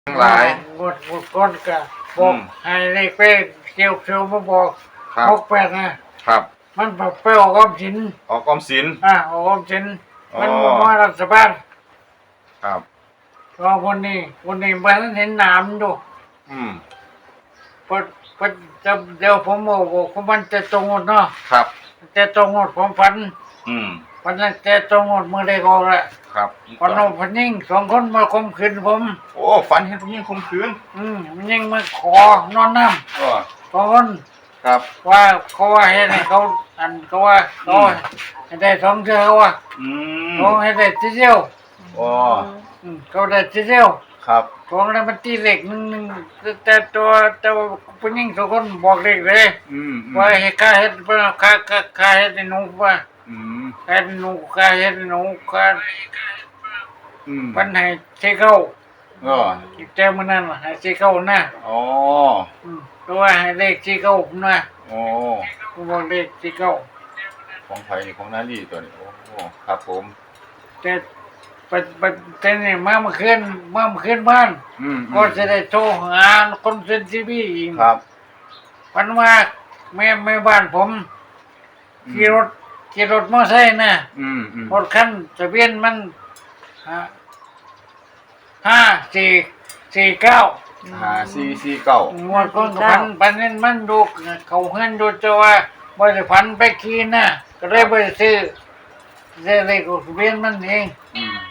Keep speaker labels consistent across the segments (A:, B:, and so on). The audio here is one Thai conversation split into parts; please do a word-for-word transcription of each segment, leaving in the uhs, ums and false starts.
A: ทั้งหลาย
B: งวดงวดก้อนก็บอกให้เลขไปเกี่ยวเชียวมาบอก
A: ครับ
B: หกแปดนะครับ มันแบบไปออกออมสิน
A: ออกออมสิน
B: อ่าออกออมสิน
A: อ๋อ
B: มันบอกว่ารัฐบาล
A: ครับ
B: รอวันนี้วันนี้มันเห็นหนามดู
A: อืม
B: พอพอจะเดี๋ยวผมบอกบอกว่ามันจะตรงหมดเนาะ
A: ครับ
B: จะตรงหมดผมฝัน
A: อืม
B: วันนั้นจะตรงหมดมือได้กอกแหละ
A: ครับ
B: วันนั้นพันยิ่งสองคนมาข่มขืนผม
A: โอ้ฝันเห็นผู้หญิงข่มขืน
B: อืมมันยิ่งมาขอนอนน้
A: ก็
B: ำสองคน
A: ครับ
B: ว่าเขาว่าให้ได้เขาอันเขาว่าเขาให้ได้สองเทื่อเขาว่า
A: อืม
B: เขาให้ได้ทีเดียว
A: โอ้
B: อืมเขาได้ทีเดียว
A: ครับ
B: ของนั้นมันตีเหล็กหนึ่งหนึ่งแต่ตัวแต่ว่าผู้หญิงสองคนบอกเด็กเลย
A: อืมอืม
B: ว่าให้ข้าเฮ็ดเพื่อข้าข้าข้าเฮ็ดให้หนูว่า
A: อืม
B: ข้าเฮ็ดให้หนูข้าเฮ็ดให้หนูข้า
A: อืม
B: ปันให้เช้เข้า
A: ก็
B: แต่มื้อนั้นว่าให้เช้เข้านะ
A: อ๋อ
B: อืมตัวให้เลขเช้เข้านะ
A: โอ้
B: ผมบอกเลขเช้เข้า
A: ของไผ่นี่ของนาลีตัวนี้โอ้ครับผม
B: แต่ปัจปัจแต่นี่มาเมื่อคืนมาเมื่อคืนบ้าน
A: อืมอืม
B: ก็จะได้โทรหาคนเซ็นทีวีอีก
A: ครับ
B: ปันว่าแม่แม่บ้านผมขี่รถขี่รถมอไซค์นะ
A: อืมอืม
B: รถคันทะเบียนมันห้าห้าสี่สี่เก้า
A: หาซีซีเก้าง
B: วดก้นกับพันพันนั้นมันดูเขาเฮือนดูจะว่าบริพันไปขี่นะก็เลยบริซื้อซื้อเลขทะเบียนมันเอง
A: อืม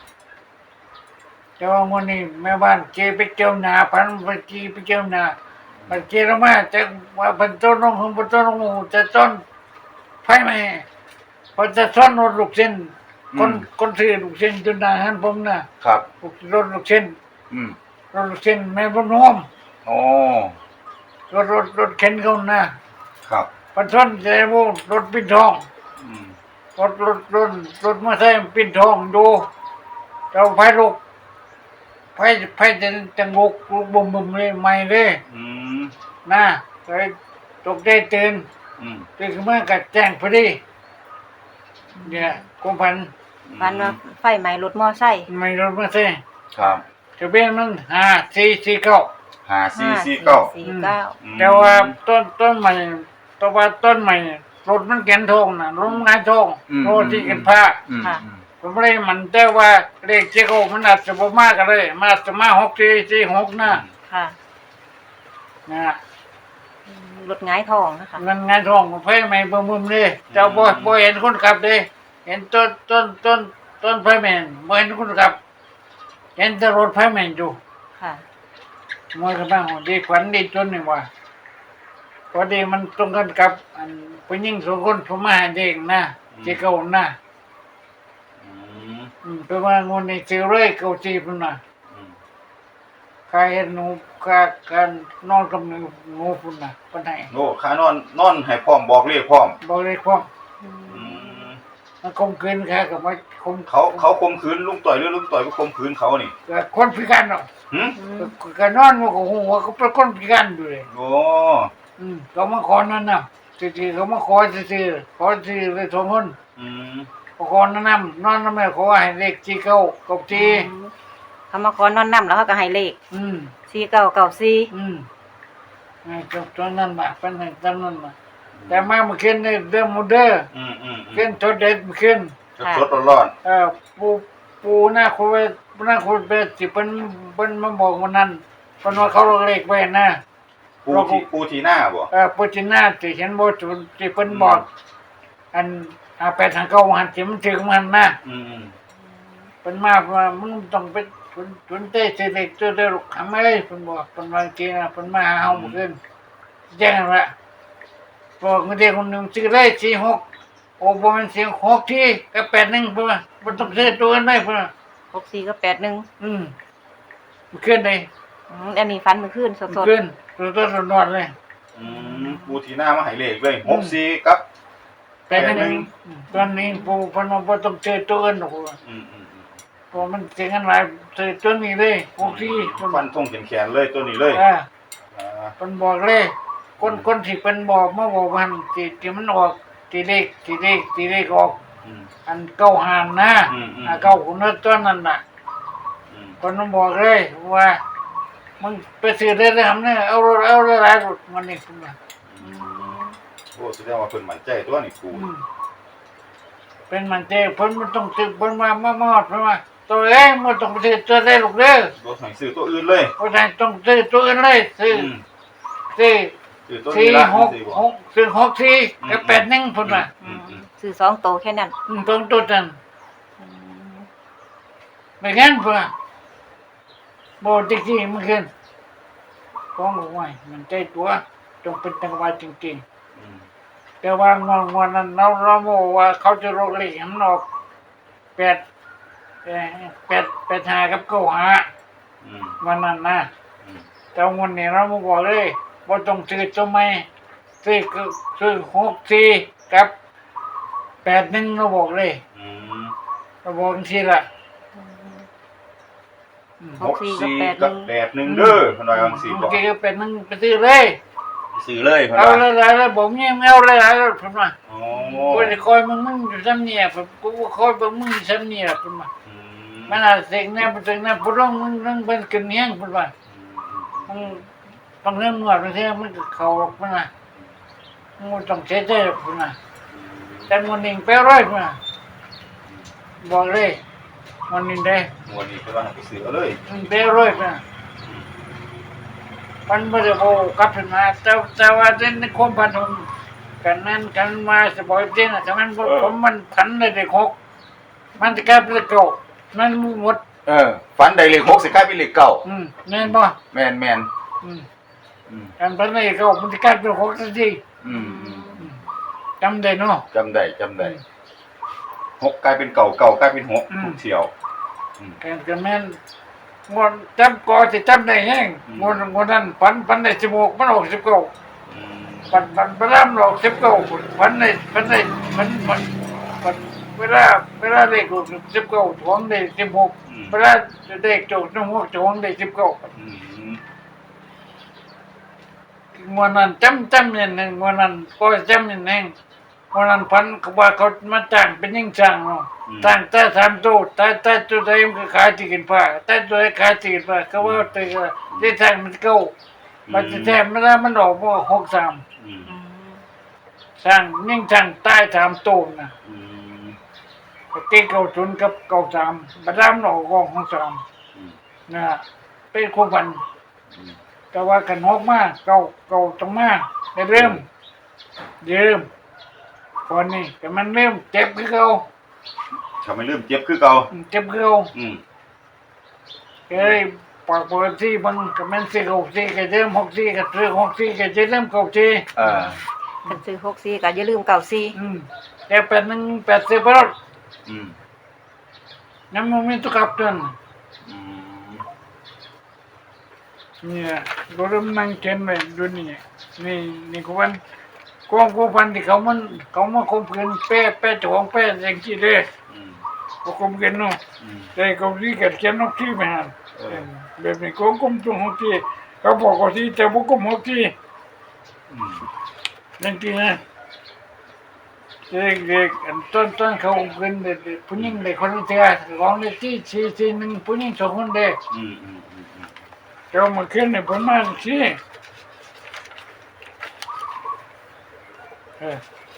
B: แต่ว่าวันนี้แม่บ้านขี่ไปเจียวหนาพันไปขี่ไปเจียวหนามันขี่ลงมาจะว่าเป็นต้นลงหงเป็นต้นลงหูจะต้นไฟไหมพอจะซ่อนรถลูกเส้นคนคนซื้อลูกเส้นจนนานหันผมนะครับ รถลูกเส้น
A: อืม
B: รถลูกเส้นแม่บนห้อม
A: โอ้
B: รถรถรถเข็นเขานะครับ พันท่อนใจโมรถปิ้นทอง
A: อืม
B: รถรถรถรถมาใส่ปิ้นทองดูเราไฟลุกไฟไฟจะจะงกลุกบุ่มบุ่มเลยไม่เลย
A: อืม
B: นะเลยตกได้ตื่น
A: อืม
B: ตื่นขึ้นมากัดแจ้งพอดีเนี่ยกุมพัน
C: ฝันว่าไฟไหม้รถมอไซค์
B: ไม่รถมาใส่
A: ครับ
B: ทะเบียนมันห้าสี่สี่เก้า
A: หาซีซีเก้า
C: สี่เก้า
A: อืม
B: แต่ว่าต้นต้นใหม่แต่ว่าต้นใหม่รถมันแกนทองนะรถมันงานทองรถที่กันผ้า
A: อืมอืม
B: ผมไม่ได้มันแต่ว่าเลขเจ้ามันอาจจะบ่มากก็เลยมาอาจจะมาหกสี่สี่หกนะ
C: ค่ะ
B: นะ
C: อืมรถหงายทองนะคะ
B: มันงานทองมันไฟใหม่บ่มุมเลยเจ้าบ่บ่เห็นคนขับเลยเห็นต้นต้นต้นต้นไฟแมนบ่เห็นคนขับ เห็นแต่รถไฟแมนอยู่
C: ค่ะ
B: มวยกันบ้างดีขวัญดีจนนี่ว่าพอดีมันตรงกันกับอันผู้หญิงสองคนผมมาหาเด็กนะเจ้าเก่านะ
A: อืม
B: อืมเป็นว่างนนี้ซื้อเลยเก่าจีพุ่นน่ะ
A: อืม
B: ใครเห็นหนูกาการนอนกับหนูหนูพุ่นน่ะปานไหน
A: โอ้ขานอนนอนให้พร้อมบอกเรียกพร้อม
B: บอกเลยความ
A: อืม
B: มันคมคืนค่ะกับว่าคม
A: เขาเขาข่มขืนลุงต่อยหรือลุงต่อยก็ข่มขืนเขานี่
B: ก็คนพิการเนาะ
A: หึ
B: ก็นอนมันก็หัวก็เป็นคนพิการอยู่เลย
A: โอ้
B: อืมเขามาขอนั่นน่ะซื่อๆเขามาขอซื่อๆขอซื่อเลยสองคน
A: อืม
B: ขอนั่นน่ะนอนนั่นแม่ขอให้เลขที่เก้ากับที่
C: อืมเขามาขอนอนน้ำแล้วเขาก็ให้เลข
B: อืม
C: สี่เก้าเก้าสี่
B: อืมไอ้จบตอนนั้นมาเป็นไงตอนนั้นมาแต่มาเมื่อคืนนี่เรื่องมูเดอร์
A: อืมอืมอื
B: ขึ้
A: ม
B: นทดเด็ดเมื่อคืน
A: สดๆร้อน
B: เอ่อปูปูหน้าคุยหน้าคุยเป็นสิเป็นเป็นมาบอกวันนั้นเป็นว่าเขาเลขไว้นะ
A: ๆปูที่ปูที่หน้าบ่
B: เออปูจิน่าที่ฉันบอกที่เป็นบอก อันอาไปทางเก้าหันที่มันถึงมันนะ
A: อืมอืม
B: เป็นมาว่ามึงต้องไปทุนทุนเต้เสด็จเจ้าเด็กทำไมเป็นบอกเป็นบางทีนะเป็นมาหาเฮาเมื่อคืนแจ้งละบอกเงินเด็กคนหนึ่งซื้อเลยสี่หกโอ้บ่มันเสียงหกที่ก็แปดหนึ่งเพื่อมันต้องซื้อตัวกันได้เพื่อ
C: หกสี่ก็แปดหนึ่ง
B: อืมมันขึ้นเลย
C: อืมอันนี้ฟันมือขึ้นส
B: มัน
C: ด
B: ขึ้นตัวต้นนอนเลย
A: อืมปูที่หน้ามาให้เลขเลยหกสี่กับ
B: แปดหนึ่งตอนนี้ปูพนมบ่ต้องซื้อตัวกันหรอก
A: อืมอืมอืม
B: เพราะมันเสียงกันหลายซื้อตัวนี้เลยหกที่มัน
A: ฟันทงแขนๆเลยตัวนี้เลย
B: อ่า
A: อ่า
B: เป็นบอกเลย คนคนที่เป็นบอกมาบอกมันที่ที่มันออกที่เลขที่เลขที่เลขออก
A: อืม
B: อันเก้าหานนะ
A: อืมอืม
B: อ่าเก้าคนนั้นตัวนั้นน่ะ
A: อืม
B: คนนั้นบอกเลยว่ามึงไปซื้อได้ทำเนี่ยเอาเอาหลายๆรถมันนี่คุณว่า
A: อืมโอ้แสดงว่าเพิ่นมั่นใจตัวนี่ปู
B: อืมเป็นมันเจ้เพิ่นมันต้องซื้อเพิ่นมามามาเพิ่นว่าตัวเองมันต้องไปซื้อตัวได้ลูกเด้อ
A: บ่ให้ซื้อตัวอื่นเลย
B: เพราะฉะนั้นต้องซื้อตัวอื่นเลยซื้อ
A: อืม
B: ซื้อ
A: ซื้อตัวนี้
B: สี่
A: ละ
B: หก
A: ซื้อบ่
B: หกซื้อหกสี่
A: อืม
B: กับแปดหนึ่งเพิ่นว่า
A: อืมอืม
C: ซื้อสองโตแค่นั้น
B: อืมตรงตัวนั้น
C: อืม
B: ไม่งั้นเพิ่นว่าบ่จริงๆมันขึ้นของบ่ไหวมันใจตัวต้องเป็นจังหวะจริงๆ
A: อืม
B: แต่ว่างวดงวดนั้นเราเราบอกว่าเขาจะลงเลขให้มันออกแปดเอ่อแปดแปดห้ากับเก้าห้า
A: อืม
B: วันนั้นนะ
A: อืม
B: แต่งวดนี้เราบ่บอกเลยว่าต้องซื้อตัวใหม่ซื้อคือซื้อหกสี่กับแปดหนึ่งเราบอกเลย
A: อืม
B: เราบอกจังซี่ล่ะ
C: อืม
B: อืม
C: หกสี่กับ
A: ห
C: แปดหนึ่
A: กับ
C: ง
A: แปดหนึ่งเด้อเพิ่นว่าจังซี่
B: ห
A: บ่
B: กสี่กับแปดหนึ่งไปซื้อเลย
A: ซื้อเลยเพิ่น
B: เอา
A: ว่า
B: หลายๆแล้วผมยังเอาหลายๆแล้วผมว่า
A: โอ้
B: กูจะคอยมึงมึงอยู่ซ้ำเนี่ยผมกูก็คอยมึงมึงอยู่ซ้ำเนี่ยผมว่า
A: อืม
B: มันอาจเสกแน่เสกแน่พร้องมึงเรื่องเป็นกันเนี้ยงพูดว่า
A: อืม
B: มึงบางเรื่องหนวดบางเรื่องมันก็เขาหรอกพุ่นนะมึงต้องเสียใจหรอกพุ่นนะแต่มันหนึ่งแปดร้อยพุ่นนะบอกเลยมันหนึ่งได้
A: งวดนี้เพิ่นว่าให้ไปซื้อเอาเลย
B: หนึ่งแปดร้อยพุ่นนะมันไม่ได้โอ้กลับขึ้นมาแต่แต่ว่าในความพันธงกันนั้นกันมาสบายเต้นอ่ะแต่มันผมมันพันเลยเด็กหกมันจะกลายเป็นเลขเก่ามันหมด
A: เออฝันได้เลขหกสิกลายเป็นเลขเก้า
B: อืมแน่นบ่
A: แม่นแม่น
B: อืม
A: อืม
B: การพันเลยเขามันจะกลายเป็นหกทันที
A: อืมอืม
B: อืมจำได้เนาะ
A: จำได้จำได้หกกลายเป็นเก่าเก่ากลายเป็นหก
B: อืม
A: ทุกเที่ยว
B: การกันแม่นงวดจำก่อจะจำได้แห้ง
A: อืม
B: งวดงวดนั้นพันพันได้สิบหกมันออกสิบเก้า
A: อืม
B: พันพันพระรามออกสิบเก้าพันได้พันได้พันพันพันเวลาเวลาเลขออกสิบเก้าถวงได้สิบหกเวลาเลขจบน้องหกถวงได้สิบเก้า
A: อืม
B: งวดนั้นจำจำเนี่ยหนึ่งงวดนั้นก็จำเนี่ยหนึ่งงวดนั้นพันเขาว่าเขามาจ้างเป็นยิ่งจ้างเนาะ ต่างแต่ทำตู้แต่แต่ตัวใดมันก็ขายที่กินผ้าแต่ตัวใดขายที่กินผ้าเขาว่าตัวที่ทางมันเก่ามันจะแทนไม่ได้มันออกมาหกสาม
A: อืม
C: อืม
B: สร้างยิ่งสร้างใต้ทำตู้นะ
A: อืม
B: เก่งเก่าศูนย์กับเก่าสามบัดนั้นออกกองของสาม
A: อืม
B: นะเป็นคู่กัน
A: อืม
B: แต่ว่ากันหกมากเก่าเก่าตรงมากได้เริ่มเริ่มก่อนนี้แต่มันเริ่มเจ็บคือเก่า
A: ทำให้ลืมเจ็บคือเก่า
B: เจ็บคือเก่า
A: อืม
B: เอ้ยปากปกติมันก็มันสิหกสี่ก็เริ่มหกสี่ก็ซื้อหกสี่ก็จะเริ่มเก้าสี่
A: อ่า
C: คันซื้อหกสี่ก็อย่าลืมเก้าสี่
B: อืมแต่แปดหนึ่งแปดสิบรถ
A: อืม
B: น้ำมันไม่ตุกับจน
A: อืม
B: เนี่ยรถมันนั่งเข็นไปดูนี่นี่นี่กูวันกองกูพันที่เขามันเขามาคมเงินแป้แป้เจ้าของแป้อย่างที่เลย
A: อืม
B: ก็คมเงินเนาะ
A: อืม
B: แต่เขาที่เกิดเขียนนกที่ไปหัน
A: เออ
B: แบบนี้ก็กุมตัวหกที่เขาบอกว่าที่จะบุกกุมหกที่
A: อืม
B: นั่นที่นะเด็กๆอันต้นต้นเขาเงินเด็กผู้หญิงเด็กคนเดียวร้องในที่สี่สี่หนึ่งผู้หญิงสองคนเด็ก
A: อืมอืมอืมอืม
B: เจ้ามาขึ้นในประมาณสี่เออ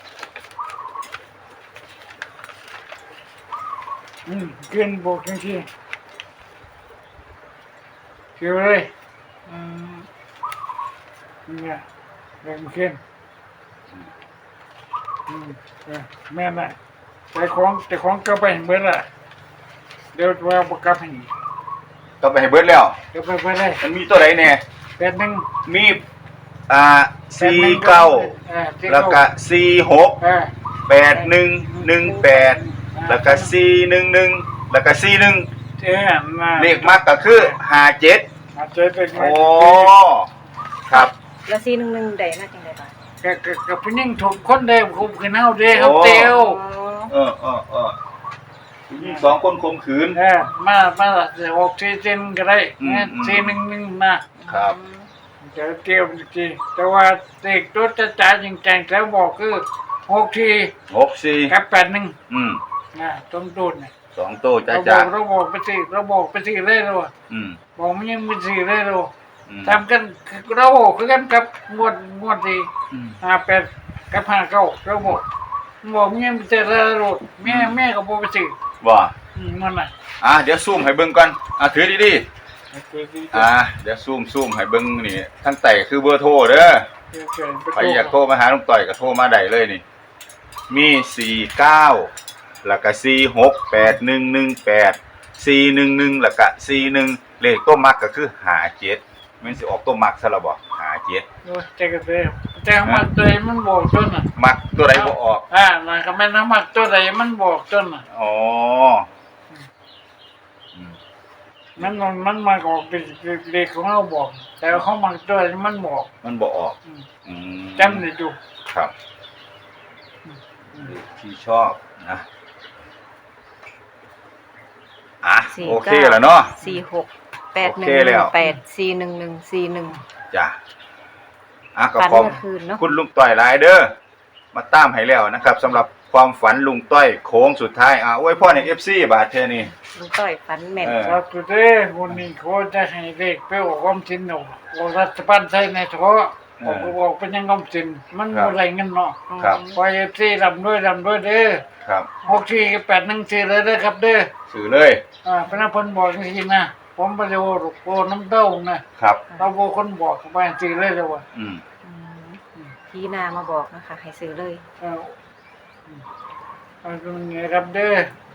B: อืมขึ้นบอกจังที่เกี่ยวเลย
C: อืม
B: เนี่ยเด็กมาขึ้นอืมเออแม่น่ะแต่ของแต่ของก็ไปเมื่อละเดี๋ยวว่าประกับให้
A: ก็ไปให้เบิดแล้ว
B: เดี๋ยวไปไปเลย
A: มันมีตัวไหนเนี่ย
B: แปดหนึ่ง
A: มีอ่า
B: แปด
A: สี่
B: หนึ่ง
A: เก้า
B: เออสี่
A: แล้วก็สี่หก
B: เออ
A: แปดหนึ่งหนึ่งแปดแล้วก็สี่หนึ่งหนึ่งแล้วก็สี่หนึ่ง
B: เออมา
A: เลขมากก็คือห้าเจ็ด
B: มาเจอเป็น
A: โอ้ครับ
C: แล้วสี่หนึ่งหนึ่งได้มาจังได๋บ่ะ
B: กับกับกับผู้หญิงถูกคนเดียวคุมขึ้นเอาเดียวเขาเตียว
C: อ๋อ
A: เออเออเออมีสองคนข่มขืน
B: เออมามาจะออกซีเจนก็ได้
A: อืม
B: เนี่ย
A: อืม
B: ซีหนึ่งหนึ่งมา
A: ครับ
B: จะเตียวจริงๆแต่ว่าเด็กตัวจะจ่ายจริงจังแล้วบอกคือหกที
A: หกสี่
B: กับแปดหนึ่ง
A: อืม
B: นะตรงตูนเนี่ย
A: สองตัวจ้า
B: เราบ
A: จ้า
B: อกเราบอกไปสิเราบอกไปสิเลยเรา
A: อืม
B: บอกมันยังไม่สิเลยเรา
A: อืม
B: ทำกันเราคือกันกับงวดงวดที่
A: อืม
B: ห้าแปดกับห้าเก้าเราบอกบอกเมียมันจะระโดดแม่แม่ก็บอกไปสิ
A: บ่
B: อืมมันน่ะ
A: อ่ะเดี๋ยวซูมให้เบิ่งก่อนอ่ะถือดีๆอ่ะเดี๋ยวซูมซูมให้เบิ่งนี่ทั้งไต่คือเบอร์โทรเด้อใครอยากโทรมาหาลุงต่อยก็โทรมาได้เลยนี่ มีสี่เก้าแล้วก็สี่หกแปดหนึ่งหนึ่งแปดสี่หนึ่งหนึ่งแล้วก็สี่หนึ่งเลขตัวมักก็คือหาเจ็ดมันสิออกตัวมักซะและบ่หาเจ็ด
B: โอ้ยใจก็เลยแต่มันตัวมันบอกจนน่ะ
A: มักตัวใดบ่ออก
B: อ่ามันก็แม่นมักตัวใดมันบอกจนน่ะ
A: อ๋ออืม
B: มันมันมันมาออกเป็นเลขของเราบอก แต่เขามักตัวใดมันบอก
A: มันบ่ออก
B: อืม
A: อืม
B: จำได้อยู่
A: ครับ
B: อืม
A: ที่ชอบนะอ่ะ
C: สี่
A: โอเค
C: เก้า
A: แล้วเนาะ
C: สี่หกแปดหนึ่ง
A: โอเคแล้ว
C: แปดสี่หนึ่งหนึ่งสี่หนึ่ง
A: จ้ะอ่ะก็
C: ฝัน
A: ขอบ
C: เมื่อคืนเนาะ
A: คุณลุงต้อยหลายเด้อมาตามให้แล้วนะครับสำหรับความฝันลุงต้อยโค้งสุดท้ายอ่ะอวยพรให้ เอฟ ซี บาดเทอนี่
C: ลุงต้อยฝันแม่น
A: เออ
B: เราคือเด้วันนี้เขาจะให้เลขไปออกความจริงเนาะออกรัฐบาลใช้ในเฉพาะออกออกเป็นยังความจริงมันอะไรเงินเนาะ
A: ครับ
B: พอเอฟซีรำด้วยรำด้วยเด้อ
A: ครับ
B: หกสี่แปดหนึ่งสี่เลยเด้อครับเด้อ
A: สื่อเลย
B: อ่าพระนพนบอกจริงๆนะผมไปดูโกน้ำเต้านะครับ เราโบคนบอกเขาไปสี่เลยเลยว่ะ
A: อืม
C: อืมพี่นามาบอกนะคะให้ซื้อเลย
B: เอออืมเอาตรงนี้ครับเด้อ